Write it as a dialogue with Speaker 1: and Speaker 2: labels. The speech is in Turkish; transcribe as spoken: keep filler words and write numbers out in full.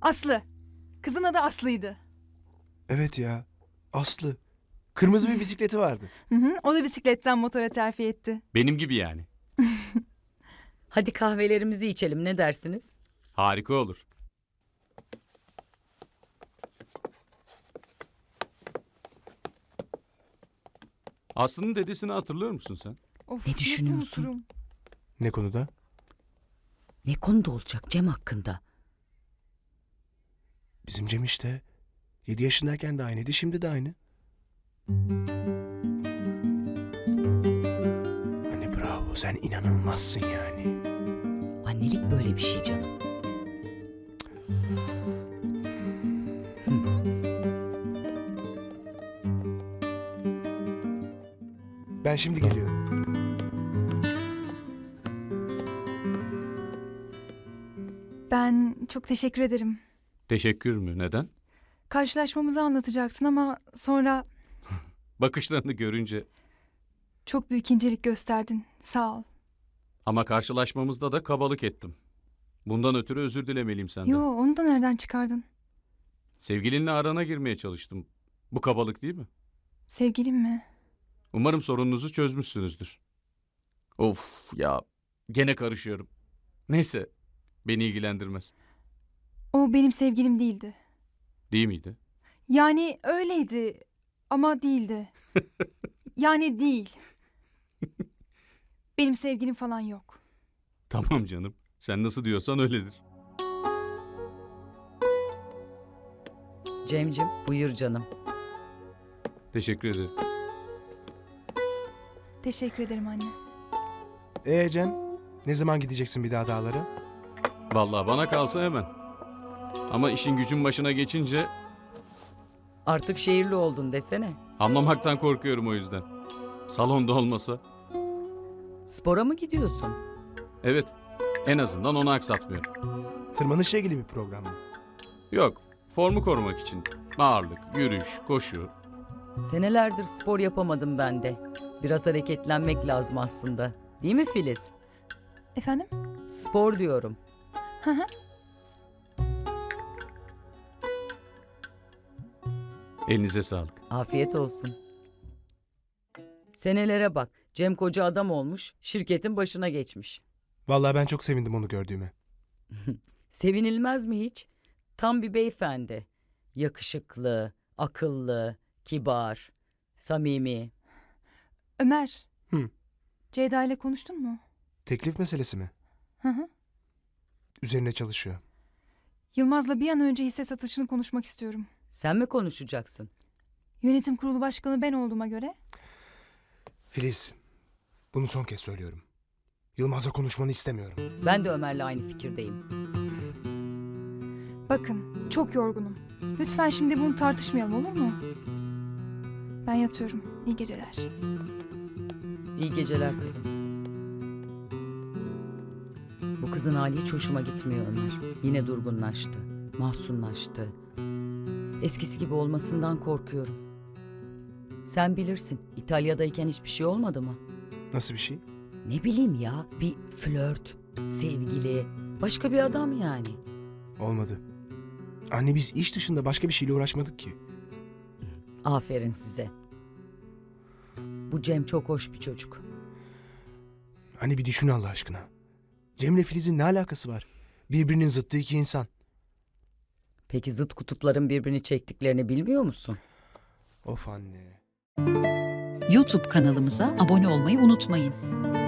Speaker 1: Aslı. Kızın adı Aslı'ydı.
Speaker 2: Evet ya. Aslı. Kırmızı bir bisikleti vardı.
Speaker 1: Hı hı, o da bisikletten motora terfi etti.
Speaker 3: Benim gibi yani.
Speaker 4: Hadi kahvelerimizi içelim, ne dersiniz?
Speaker 3: Harika olur. Aslı'nın dedesini hatırlıyor musun sen?
Speaker 1: Of,
Speaker 4: Ne
Speaker 1: nasıl
Speaker 4: düşünüyorsun?
Speaker 1: unuturum?
Speaker 2: Ne konuda?
Speaker 4: Ne konuda olacak Cem hakkında?
Speaker 2: Bizim Cem işte. Yedi yaşındayken de aynıydı, şimdi de aynı. Anne bravo, sen inanılmazsın yani.
Speaker 4: Annelik böyle bir şey canım.
Speaker 2: Ben şimdi geliyorum.
Speaker 1: Ben çok teşekkür ederim.
Speaker 3: Teşekkür mü? Neden?
Speaker 1: Karşılaşmamızı anlatacaktın ama sonra
Speaker 3: Bakışlarını görünce.
Speaker 1: çok büyük incelik gösterdin. Sağ ol.
Speaker 3: Ama karşılaşmamızda da kabalık ettim. Bundan ötürü özür dilemeliyim senden.
Speaker 1: Yo, onu da nereden çıkardın?
Speaker 3: Sevgilinle arana girmeye çalıştım. Bu kabalık değil mi?
Speaker 1: Sevgilim mi?
Speaker 3: Umarım sorununuzu çözmüşsünüzdür. Of ya, gene karışıyorum. Neyse, beni ilgilendirmez.
Speaker 1: O benim sevgilim değildi.
Speaker 3: Değil miydi?
Speaker 1: Yani öyleydi ama değildi. Yani değil. Benim sevgilim falan yok.
Speaker 3: Tamam canım. Sen nasıl diyorsan öyledir.
Speaker 4: Cemcim, buyur canım.
Speaker 3: Teşekkür ederim.
Speaker 1: Teşekkür ederim anne.
Speaker 2: Ee Cem, ne zaman gideceksin bir daha dağlara?
Speaker 3: Vallahi bana kalsa hemen. Ama işin gücün başına geçince
Speaker 4: Artık şehirli oldun desene.
Speaker 3: anlamaktan korkuyorum o yüzden. Salonda olmasa.
Speaker 4: Spora mı gidiyorsun?
Speaker 3: Evet, en azından onu aksatmıyorum.
Speaker 2: Tırmanışla ilgili bir program mı?
Speaker 3: Yok, formu korumak için. Ağırlık, yürüyüş, koşu.
Speaker 4: Senelerdir spor yapamadım ben de. Biraz hareketlenmek lazım aslında. Değil mi Filiz?
Speaker 1: Efendim?
Speaker 4: Spor diyorum.
Speaker 1: Hı hı.
Speaker 3: Elinize sağlık.
Speaker 4: Afiyet olsun. Senelere bak. Cem koca adam olmuş, şirketin başına geçmiş.
Speaker 2: Vallahi ben çok sevindim onu gördüğüme.
Speaker 4: Sevinilmez mi hiç? Tam bir beyefendi. Yakışıklı, akıllı, kibar, samimi.
Speaker 1: Ömer.
Speaker 2: Hı.
Speaker 1: Ceyda ile konuştun mu?
Speaker 2: Teklif meselesi mi?
Speaker 1: Hı hı.
Speaker 2: Üzerine çalışıyor.
Speaker 1: Yılmaz'la bir an önce hisse satışını konuşmak istiyorum.
Speaker 4: Sen mi konuşacaksın?
Speaker 1: Yönetim kurulu başkanı ben olduğuma göre
Speaker 2: Filiz, bunu son kez söylüyorum. Yılmaz'la konuşmanı istemiyorum.
Speaker 4: Ben de Ömer'le aynı fikirdeyim.
Speaker 1: bakın çok yorgunum. Lütfen şimdi bunu tartışmayalım, olur mu? Ben yatıyorum. İyi geceler.
Speaker 4: İyi geceler kızım. Bu kızın hali hiç hoşuma gitmiyor Ömer. Yine durgunlaştı, mahzunlaştı. Eskisi gibi olmasından korkuyorum. Sen bilirsin, İtalya'dayken hiçbir şey olmadı mı?
Speaker 2: Nasıl bir şey?
Speaker 4: Ne bileyim ya, bir flört, sevgili, başka bir adam yani.
Speaker 2: Olmadı. Anne biz iş dışında başka bir şeyle uğraşmadık ki.
Speaker 4: Aferin size. Bu Cem çok hoş bir çocuk.
Speaker 2: Anne bir düşün Allah aşkına. Cem'le Filiz'in ne alakası var? Birbirinin zıttı iki insan.
Speaker 4: Peki zıt kutupların birbirini çektiklerini bilmiyor musun?
Speaker 2: Of anne.
Speaker 5: YouTube kanalımıza abone olmayı unutmayın.